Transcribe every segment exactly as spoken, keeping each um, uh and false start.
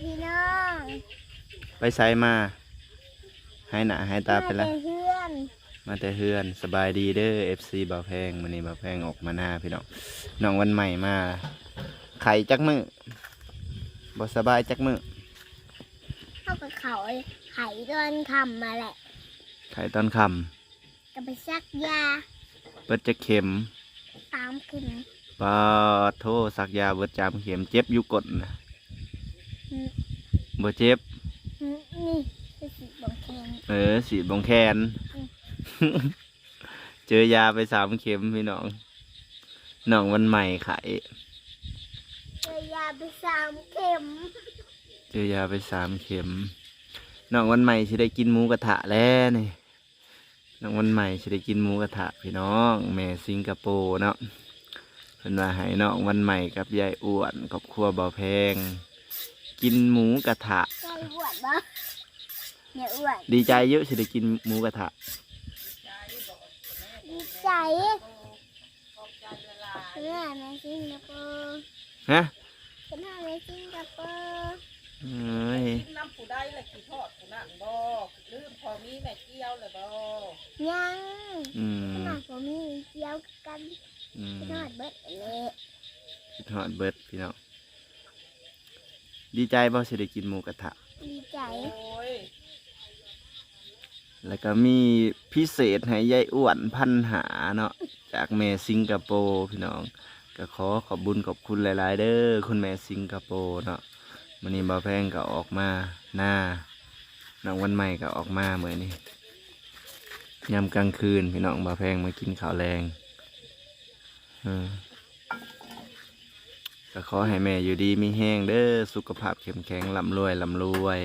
พี่น้องไปใส่มาหายหน้าหายตาไปแล้วมาแต่เพื่อนมาแต่เฮือนสบายดีเด้อ เอฟ ซี บ่าวแพงมื้อนี้บ่าวแพงออกมาหน้าพี่น้องน้องวันใหม่มาไข่จักมือบ่สบายจักมือเข้ากับเขาไข่โดนคำมาแหละไข่ตอนค่ก็ไปซักยาำเบิดจะเข็มตามขึ้นปาโทสักยาเบิดจามเข็มเจ็บอยู่กดนะอืมบ่เจ็บอืมนี่คือสีบงแขนเออสีดบงแคนเจอยาไปสามเข็มพี่น้องน้องวันใหม่ไข่เจอยาไปสามเข็มเจอยาไปสามเข็มน้องวันใหม่สิได้กินหมูกระทะแล้วนี่น้องวันใหม่สิได้กินหมูกระทะพี่น้องแม่สิงคโปร์เนาะเพิ่นว่าให้น้องวันใหม่กับยายอ้วนครอบครัวบ่าวแพง กินหมูกระทะใจอ้วนปะเนี่ยอ้วนดีใจเยอะสิได้กินหมูกระทะดีใจเพื่อนในสิงคโปร์ฮะเพื่อนในสิงคโปร์เอ้ยน้ำผู้ได้เลยขี้ทอดผู้นั่งบ่ลืมพอมีแม่เกี้ยวเลยบ่ยังอืมขนาดผมมีเกี่ยวกันอืมขนาดเบิดเลยคิดฮอดเบิดพี่น้องดีใจบ่สิได้กินหมูกระทะดีใจโอ้ยแล้วก็มีพิเศษให้ยายอ้วนพันหาเนาะจากแม่สิงคโปร์พี่น้องก็ขอขอบบุญขอบคุณหลายๆเด้อคุณแม่สิงคโปร์เนาะวันนี้บ่าวแพงก็ออกมาหน้าน้องวันใหม่ก็ออกมาเหมือนนี้ยามกลางคืนพี่น้องบ่าวแพงมากินข้าวแรงเออก็ขอให้แม่อยู่ดีมีแห้งเด้อสุขภาพเข้มแข็งร่ำรวยร่ำรวย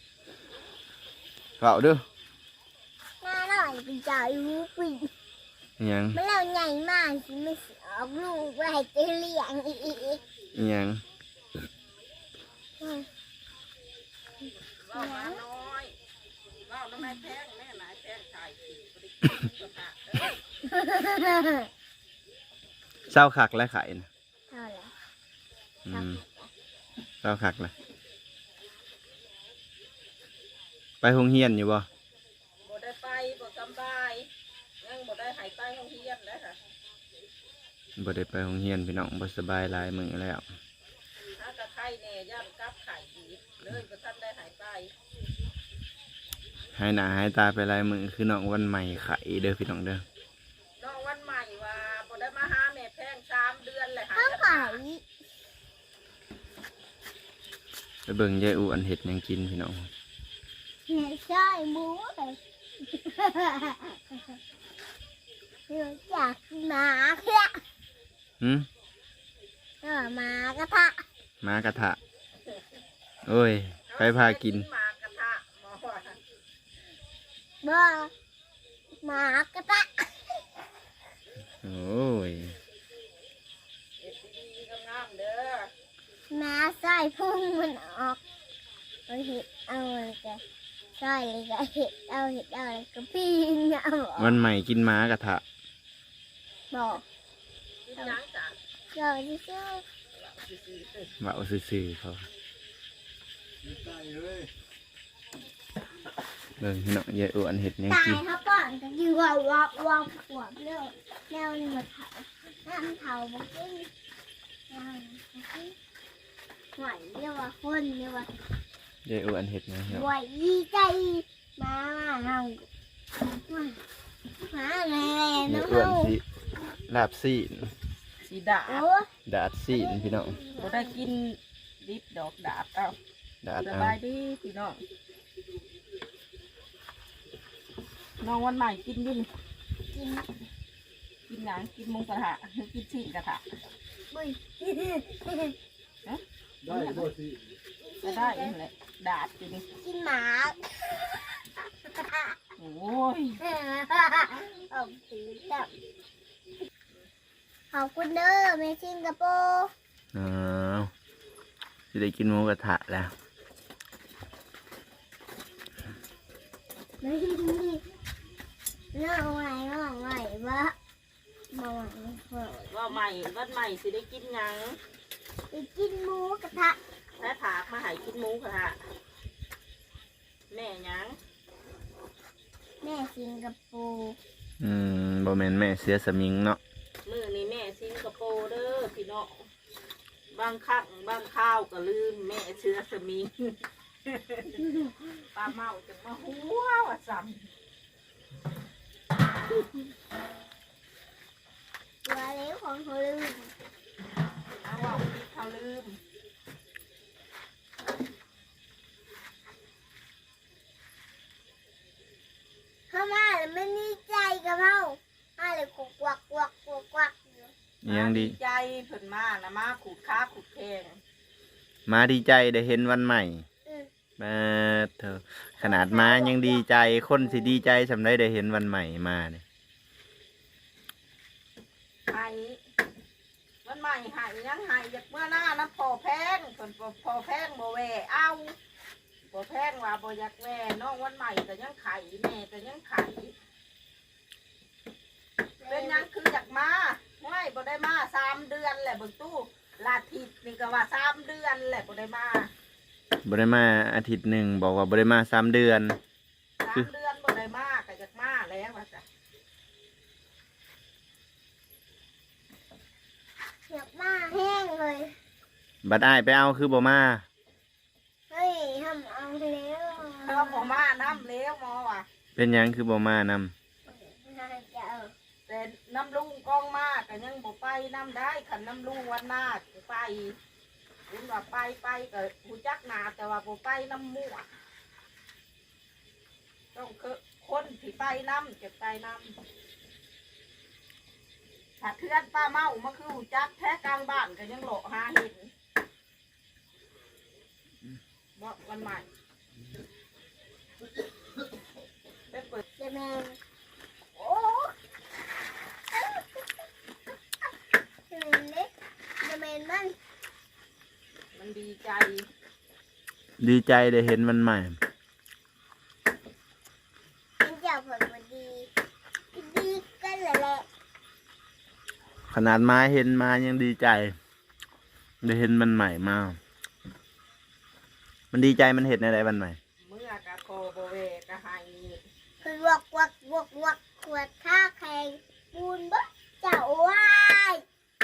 เฝ้าเด้อหน้าหน่อยเป็นจ่ายหูปิดอิหยังเมื่อเราใหญ่มากสิไม่เสียออกลูกไว้ให้เจะเลี้ยงอีกอิหยังว่ามาน้อยว่าน้ำไม้แพงแม่หนายแพงชายสิบ่ได้กินหมูกระทะเด้อเศร้าคักและไข่นะเท่าไหร่อืมเศร้าคักเลยไปโรงเรียนอยู่บ่บ่ได้ไปบ่สำบายยังบ่ได้ใหายไปโรงเรียนแล้วค่ะบ่ได้ไปโรงเรียนพี่น้องบ่สบายหลายมื้อแล้วถ้ากะไข้แน่ย่ำกับไข่อีกเลยบ่ทันได้ใหายไปหายหน้าหายตาไปหลายมื้อคือน้องวันใหม่ไข่เด้อพี่น้องเด้อน้องวันใหม่ว่าบ่ได้มาหาแม่แพงสามเดือนเลยหาข้าวยไข่ไปเบิ่งยายอ้วนเฮ็ดหยังกินพี่น้องเนี่ยใช่หมูเลยรู้จักหมาเพื่อหึเออหมากระทะหมากระทะโอ้ยไปพากินหมากระทะหมอว่าบ่หมากระทะโอ้ยเอ็ดดีๆงามๆเด้อหมาใส่พุ่งมันออกเอาเห็ดเอาอะไรกันใส่เลยก็เห็ดเอาเห็ดเอาอะไรก็ปีนเอาออกวันใหม่กินหมากระทะบอกกินหยังจ้ะเราที่ชื่อว่าเอาซื่อๆเขาเบิ่งพี่น้องยายอ้วนเฮ็ดหยังตายกินเขาก่อนก็ยืนว่าว่าว่าขวบเลือดแล้วนี่มาเผาน้ำเผาบอกกินน้ำบอกกินหวยเรียกว่าคนเรียกว่ายายอ้วนเฮ็ดหยังพี่น้องหวยดีใจมาเอามาแน่ๆยาน้ยองอ้วนเฮาสิลาบซีนสีดาโอ้บดาดซีนพี่น้องบ่ได้กินดิบดอกดาบเอ้าดาดสเอาบายดีพี่น้องน้องวันใหม่กินอยุ่นกินกินหยังกินหมุงกระทะกินชิ้นกระทะบุยได้บ่สิจะได้เองแหละดาดกินกินหมาโอ้ยออกสีดำขอบคุณเด้อแม่สิงคโปร์อ้าวสิได้กินหมูกระทะแล้วไม่ดีน้องไหวน้องไหววะมาไหวเถอะว่าใหม่วันใหม่สิได้กินหยังไปกินหมูกระทะพ้ผากมาใหายกินหมูค่ะแม่หยังแม่สิงคโปร์อืมบ่แม่นแม่เสือสมิงเนาะมือนี่แม่สิงคโปร์เด้อพี่น้องบางครั้งบางข้าวก็ลืมแม่เชื้อสมิง ปลาเมาจะมาหัวว่าซ้ตัวเล็กของเขาลืมำเอาว่าเขาลืมเข้ามาแล้วไม่ดีใจกับเขามาเลยกวักกวักกวักกวักอยู่อิหยังดีใจเพิ่นมานะมาขูดค้าขูดแพงมาดีใจได้เห็นวันใหม่อืมมาเถอะขนาดมายังดีใจคนสิดีใจสำได้ได้เห็นวันใหม่มาเนี่ยหายวันใหม่หายยังหายอยากเมื่อหน้านะพอแพงเพิ่นบ่พอแพงบ่แหวเอาบ่แพงว่าบ่อยากแหวน้องวันใหม่ก็ยังไข่แม่ก็ยังไข่เป็นหยังคืออยากมาไม่บ่ได้มาสามเดือนแหละเบิ่งตู้ลาทิตย์นี่ก็ว่าสามเดือนแหละบ่ได้มาบ่ได้มาอาทิตย์หนึ่งบอกว่าบ่ได้มาสามเดือนสามเดือนบ่ได้มาก็อยากมาแล้วว่าจ้ะอยากมาแห้งเลยบัดอ้ายไปเอาคือบ่มาเฮ้ยทำเอาแล้วเขาบ่มาน้ำแล้วหมอว่ะเป็นหยังคือบ่มานำน่าจะเอาแต่น้ำลุงกองมาก็ยังบ่ไปน้ำได้คันน้ำลุงวันหน้าก็ไปคุนว่าไปไปก็หูจักหนาแต่ว่าบ่ไปน้ำมั่วต้องคือคนที่ไปน้ำจะไปน้ำถ้าเทือนป้าเมามาคือหูจักแท้กลางบ้านก็ยังโหลหาเห็นบ่วันใหม่ไปเปิดเดแมนโอ้เดแมนเล็กเดแมนมันมันดีใจดีใจได้เห็นวันใหม่เป็นเจ้าผลพอดีดีกันแหละแหละขนาดมาเห็นมายังดีใจ ได้เห็นวันใหม่มา มันดีใจมันเห็นอะไรวันใหม่เมื่อกะโคโบเวกะไฮคือวักวักวักวักขวดข้าแข่งปูนบ่เจ้าว้าย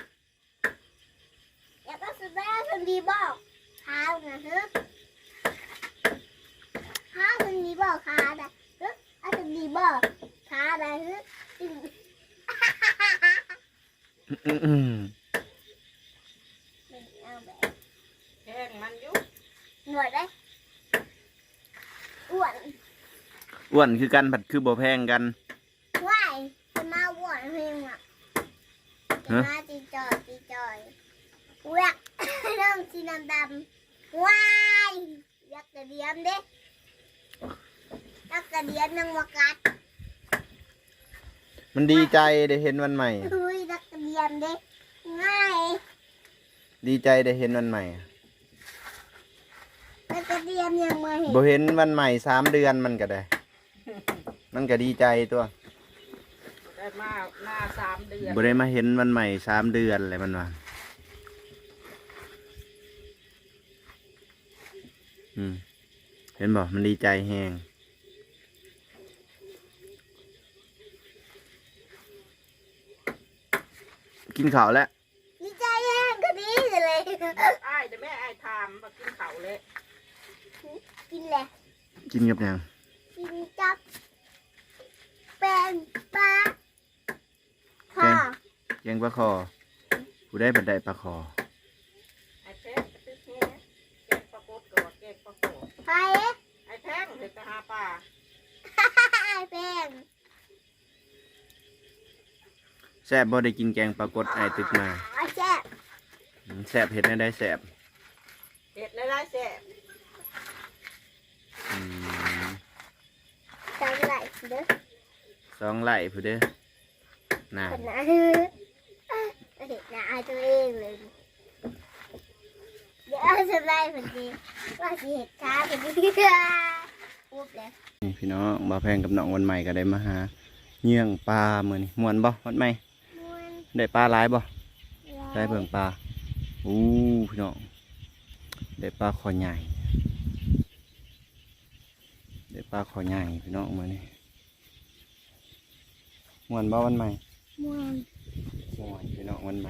อยากก็สุดแล้วคนดีบอกข้าวนะฮะข้าวคนดีบอกข้านะฮะอาคนดีบอกข้านะฮะอืมมันเอาแบบแข้งมันอยุหนวดได้อ้วนอ้วนคือกันผัดคือบ่แพงกันว้ายจะมาอ้วนเพียงอ่ะจะมาตีจอยตีจอยเวียก เริ่มสีดำดำว้ายยักษ์กระเดียมเด้ยักษ์กระเดียมนังวกัดมันดีใจได้เห็นวันใหม่อุ้ยยักษ์กระเดียมเด้ง่ายดีใจได้เห็นวันใหม่ยักษ์กระเดียมยังมาเห็นบ่เห็นวันใหม่สามเดือนมันก็ได้ มันก็ดีใจตัวได้มาหน้าสามเดือนบ่ได้มาเห็นวันใหม่สามเดือนเลยมันว่าอืมเห็นบ่มันดีใจแฮงกินข้าวแล้วดีใจแห้งก็ดีเลยอ้ายเดี๋ยวแม่อ้ายทามมากินเขาวเลยกินแหละกินกับหยังกินจับเป็นปลาค่ะแกงปลาคอผู้ได้บัดได้ปลาคอไอ้แพงกระตึกแง่แกงปลากดก่อนแกงปลากดไปไอ้แพงเห็ดไปหาปลาแป้งแซ่บบ่ได้กินแกงปลากดไอตึกมาแซ่บอืมแซ่บเห็ดได้ได้แซ่บเห็ดหลายๆแซ่บอืมจังไรเด้อสองไหล่ผู้เด้อน่าคนนะเห็นหน้าตัวเองเลยเดี๋ยวจะไล่พอดีว่าสิเห็ดช้าพอดีปุ๊บเลยนี่พี่น้องบ่าวแพงกับน้องวันใหม่ก็ได้มาหาเยี่ยงปลามื้อนี้ม่วนบ่วันใหม่ม้วนได้ปลาหลายบ่ลาได้เบิ่งปลาอู้พี่น้องได้ปลาคอใหญ่ได้ปลาคอใหญ่พี่น้องมานี่ม่วนบ่วันใหม่ม่วนม่วนพี่น้องวันใหม่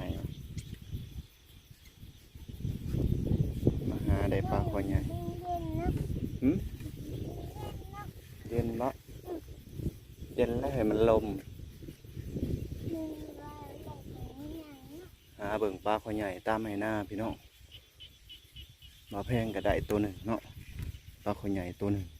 มาหาได้ปลาคอใหญ่เย็นๆนะหืมเย็นบ่เย็นแล้วให้มันลมหนึ่งร้อยใหญ่ของใหญ่นะหาเบิ่งปลาคอใหญ่ตามให้หน้าพี่น้องมาแพงก็ได้ตัวหนึ่งเนาะปลาคอใหญ่ตัวหนึ่ง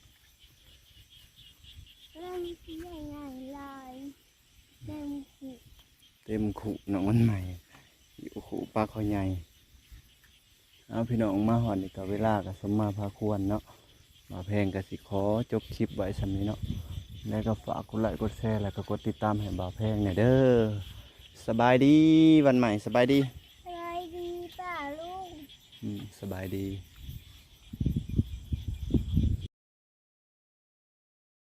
เริ่มใหญ่ใหญ่ลายเริ่มขีเต็มขู่น้องวันใหม่อยู่ขู่ปลาคอใหญ่เอาพี่น้องมาหอนอีกกับเวลากับสมมาพาควรเนาะมาแพงกับสิขอจบคลิปไว้สำนี้เนาะแล้วก็ฝากกดไลค์กดแชร์แล้วก็กดติดตามให้บ่าวแพงเนี่ยเด้อสบายดีวันใหม่สบายดีอะไรดีป่าลุงอืมสบายดี